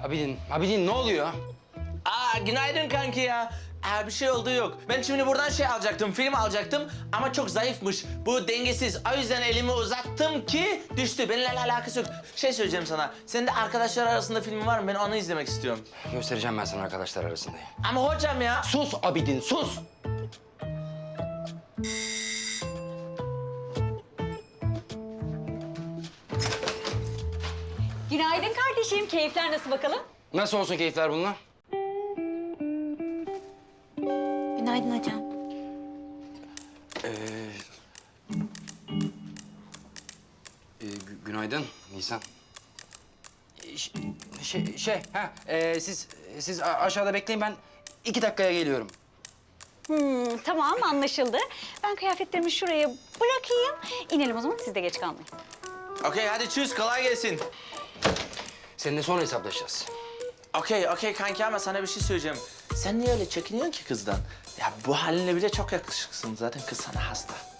Abidin ne oluyor? Günaydın kanki ya. Bir şey oldu yok. Ben şimdi buradan şey alacaktım, film alacaktım ama çok zayıfmış. Bu dengesiz. O yüzden elimi uzattım ki düştü. Benimle alakası yok. Şey söyleyeceğim sana. Senin de arkadaşlar arasında filmin var mı? Ben onu izlemek istiyorum. Göstereceğim ben sana arkadaşlar arasındayım. Ama hocam ya. Sus Abidin, sus! Günaydın kardeşim. Keyifler nasıl bakalım? Nasıl olsun keyifler bunlar? Günaydın hocam. Günaydın Nisan. Siz aşağıda bekleyin, ben 2 dakikaya geliyorum. Tamam anlaşıldı. Ben kıyafetlerimi şuraya bırakayım. İnelim o zaman siz de geç kalmayın. Okey hadi çüz kolay gelsin. Seninle sonra hesaplaşacağız. Okey kanki ama sana bir şey söyleyeceğim. Sen niye öyle çekiniyorsun ki kızdan? Ya bu halinle bile çok yakışıksın. Zaten kız sana hasta.